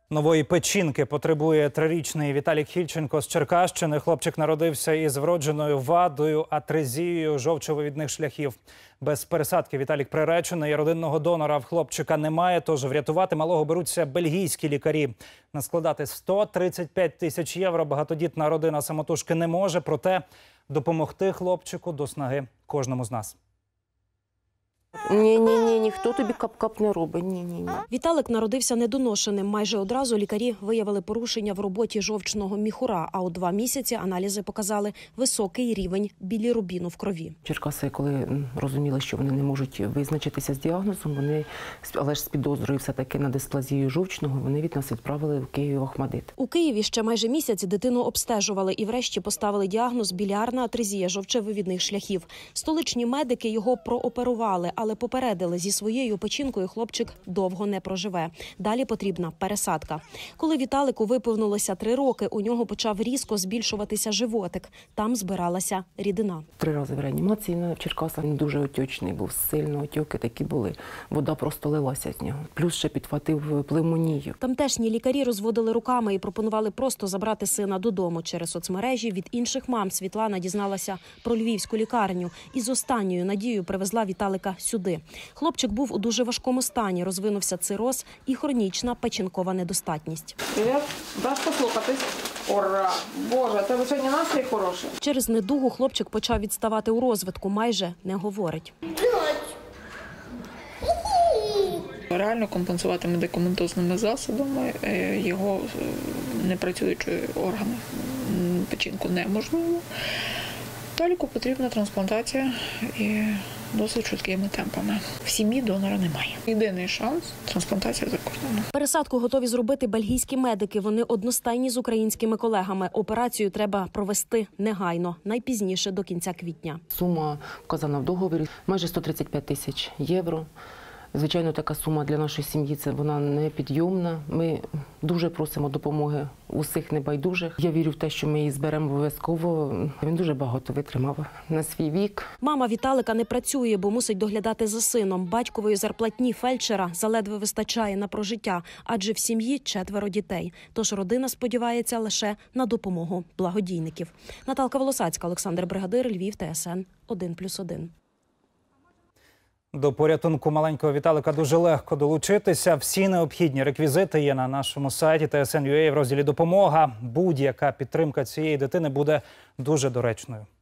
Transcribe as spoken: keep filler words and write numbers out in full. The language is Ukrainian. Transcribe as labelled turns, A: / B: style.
A: Нової печінки потребує трирічний Віталій Хільченко з Черкащини. Хлопчик народився із вродженою вадою – атрезією жовчовивідних шляхів. Без пересадки Віталік приречений, родинного донора в хлопчика немає, тож врятувати малого беруться бельгійські лікарі. Наскладати сто тридцять п'ять тисяч євро багатодітна родина самотужки не може, проте допомогти хлопчику до снаги кожному з нас.
B: Ні-ні-ні, ніхто тобі кап-кап не робить, ні-ні-ні.
C: Віталик народився недоношеним. Майже одразу лікарі виявили порушення в роботі жовчного міхура, а у два місяці аналізи показали високий рівень білірубіну в крові.
B: Черкаси, коли розуміли, що вони не можуть визначитися з діагнозом, вони, але ж з підозрою все-таки на дисплазію жовчного, вони від нас відправили в Київ Охмадит.
C: У Києві ще майже місяць дитину обстежували і врешті поставили діагноз біліарна атрезія жовчовивідних шляхів. Столичні медики його прооперували, але попередили, зі своєю печінкою хлопчик довго не проживе. Далі потрібна пересадка. Коли Віталику виповнилося три роки, у нього почав різко збільшуватися животик. Там збиралася рідина.
B: Три рази в реанімації в Черкасах. Він дуже отечний був, сильно отеки такі були. Вода просто лилася з нього. Плюс ще підхватив пневмонію.
C: Тамтешні лікарі розводили руками і пропонували просто забрати сина додому. Через соцмережі від інших мам Світлана дізналася про львівську лікарню і з останньою надією привезла Віталика сюди. Хлопчик був у дуже важкому стані, розвинувся цироз і хронічна печінкова недостатність.
D: Привіт, даш послухатись? Ура! Боже, тебе сьогодні настрій хороший.
C: Через недугу хлопчик почав відставати у розвитку, майже не говорить.
D: Реально компенсувати медикаментозними засобами його непрацюючі органи, печінку неможливо. Віталіку потрібна трансплантація і досить швидкими темпами. В сім'ї донора немає. Єдиний шанс – трансплантація за кордоном.
C: Пересадку готові зробити бельгійські медики. Вони одностайні з українськими колегами. Операцію треба провести негайно, найпізніше до кінця квітня.
B: Сума вказана в договорі – майже сто тридцять п'ять тисяч євро. Звичайно, така сума для нашої сім'ї – це вона непідйомна. Ми дуже просимо допомоги усіх небайдужих. Я вірю в те, що ми її зберемо обов'язково. Він дуже багато витримав на свій вік.
C: Мама Віталика не працює, бо мусить доглядати за сином. Батькової зарплатні фельдшера заледве вистачає на прожиття, адже в сім'ї четверо дітей. Тож родина сподівається лише на допомогу благодійників. Наталка Волосацька, Олександр Бригадир, Львів, Т С Н один плюс один.
A: До порятунку маленького Віталика дуже легко долучитися. Всі необхідні реквізити є на нашому сайті Т С Н крапка Ю А в розділі «Допомога». Будь-яка підтримка цієї дитини буде дуже доречною.